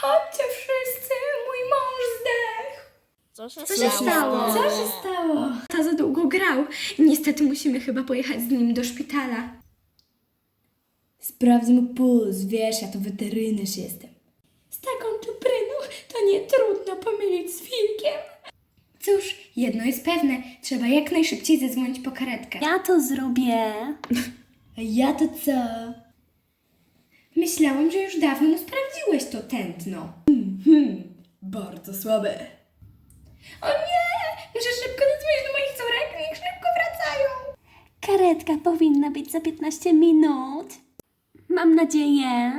Chodźcie wszyscy, mój mąż zdechł. Co się Co się stało? Co się stało? To za długo grał. Niestety musimy chyba pojechać z nim do szpitala. Sprawdzę mu puls, wiesz, ja to weterynarz jestem. Z taką czupryną to nie trudno pomylić z wilkiem. Cóż, jedno jest pewne. Trzeba jak najszybciej zadzwonić po karetkę. Ja to zrobię. A ja to co? Myślałam, że już dawno mu sprawdziłeś to tętno. Bardzo słabe. O nie! Muszę szybko zadzwonić do moich córek. Niech szybko wracają. Karetka powinna być za 15 minut. Mam nadzieję.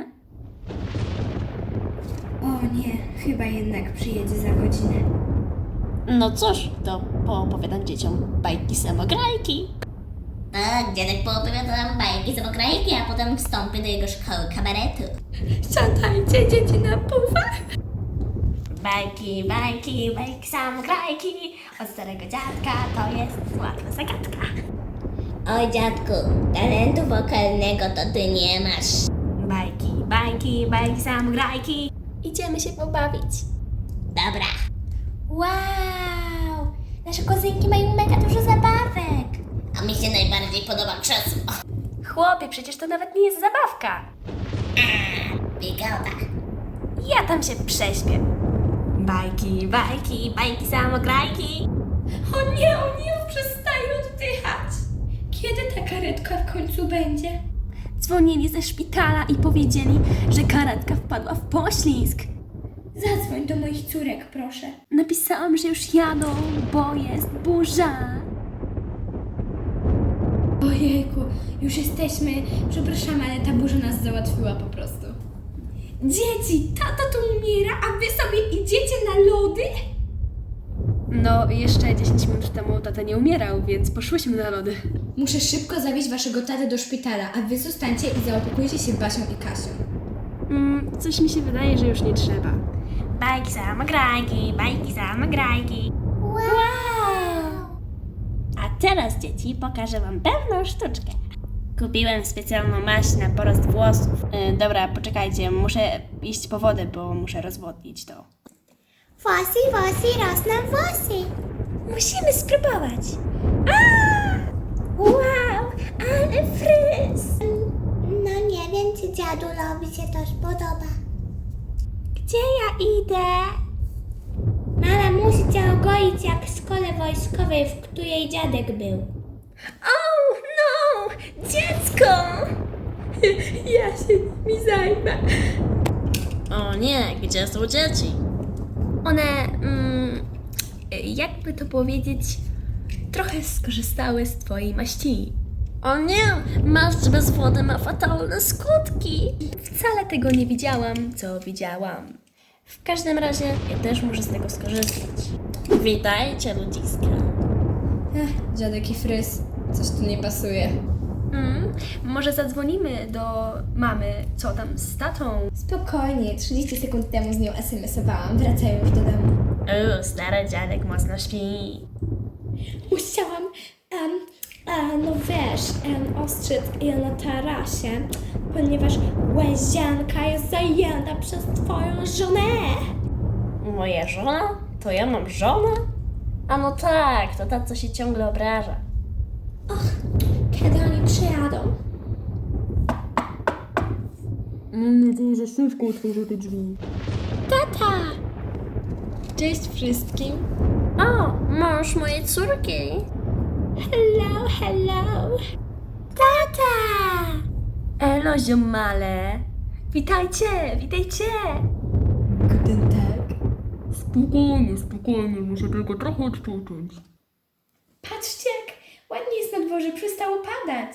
O nie, chyba jednak przyjedzie za godzinę. No cóż, to poopowiadam dzieciom bajki samograjki. Tak, dziadek poopowiada nam bajki z okrajki, a potem wstąpi do jego szkoły kabaretu. Siadajcie, dzieci na pufach. Bajki, bajki, bajki samograjki. Od starego dziadka to jest łatwa zagadka. Oj dziadku, talentu wokalnego to ty nie masz. Bajki, bajki, bajki samograjki. Idziemy się pobawić. Dobra. Wow! Nasze kozynki mają mega dużo zabawek. A mi się najbardziej podoba krzesło. Chłopie, przecież to nawet nie jest zabawka. Wygoda. Ja tam się prześpię. Bajki, bajki, bajki samograjki. O nie, przestaje oddychać. Kiedy ta karetka w końcu będzie? Dzwonili ze szpitala i powiedzieli, że karetka wpadła w poślizg. Zadzwoń do moich córek, proszę. Napisałam, że już jadą, bo jest burza. Ojejku, już jesteśmy. Przepraszam, ale ta burza nas załatwiła po prostu. Dzieci, tata tu umiera, a wy sobie idziecie na lody? No, jeszcze 10 minut temu tata nie umierał, więc poszłyśmy na lody. Muszę szybko zawieźć waszego tatę do szpitala, a wy zostańcie i zaopiekujcie się Basią i Kasią. Coś mi się wydaje, że już nie trzeba. Bajki samograjki, bajki samograjki. Wow! A teraz, dzieci, pokażę wam pewną sztuczkę. Kupiłem specjalną maść na porost włosów. Dobra, poczekajcie, muszę iść po wodę, bo muszę rozwodnić to. Włosy, włosy, rosną włosy. Musimy spróbować. Wow, ale fryz. No nie wiem, czy dziadulowi się to spodoba. Gdzie ja idę? Mama musi cię ogoić jak w szkole wojskowej, w której dziadek był. Oh, no! Dziecko! Ja się nimi zajmę. O nie, gdzie są dzieci? One, jakby to powiedzieć, trochę skorzystały z twojej maści. O nie, maść bez wody ma fatalne skutki. Wcale tego nie widziałam, co widziałam. W każdym razie ja też muszę z tego skorzystać. Witajcie, ludziska. Dziadek i fryz, coś tu nie pasuje. Może zadzwonimy do mamy, co tam z tatą? Spokojnie, 30 sekund temu z nią SMS-owałam, wracają już do domu. Stary dziadek mocno śpi. Musiałam, no wiesz, ostrzec je na tarasie, ponieważ łazienka jest zajęta przez twoją żonę. Moja żona? To ja mam żonę? A no tak, to ta, co się ciągle obraża. Kiedy oni przyjadą? Mam nadzieję, że szybko otworzę te drzwi. Tata! Cześć wszystkim. O, mąż mojej córki. Hello, hello. Tata! Elo, ziomale. Witajcie, witajcie. Guten Tag. Spokojnie, muszę tylko trochę odczuć. Patrzcie, jak ładnie jest na dworze, przestało padać.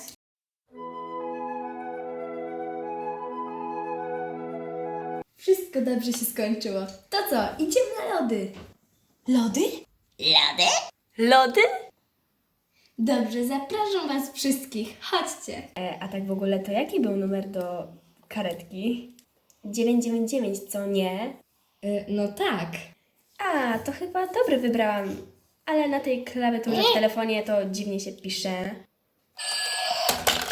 Wszystko dobrze się skończyło. To co, idziemy na lody. Lody? Lody? Lody? Dobrze, zapraszam was wszystkich. Chodźcie. A tak w ogóle, to jaki był numer do karetki? 999, co nie? No tak. A, to chyba dobry wybrałam. Ale na tej klawiaturze w telefonie to dziwnie się pisze.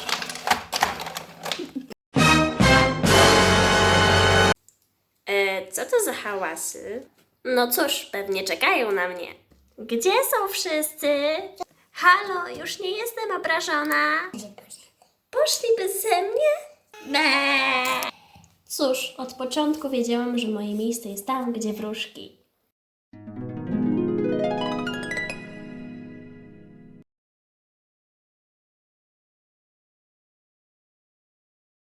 Co Co to za hałasy? No cóż, pewnie czekają na mnie. Gdzie są wszyscy? Halo, już nie jestem obrażona. Poszli beze mnie? Cóż, od początku wiedziałam, że moje miejsce jest tam, gdzie wróżki.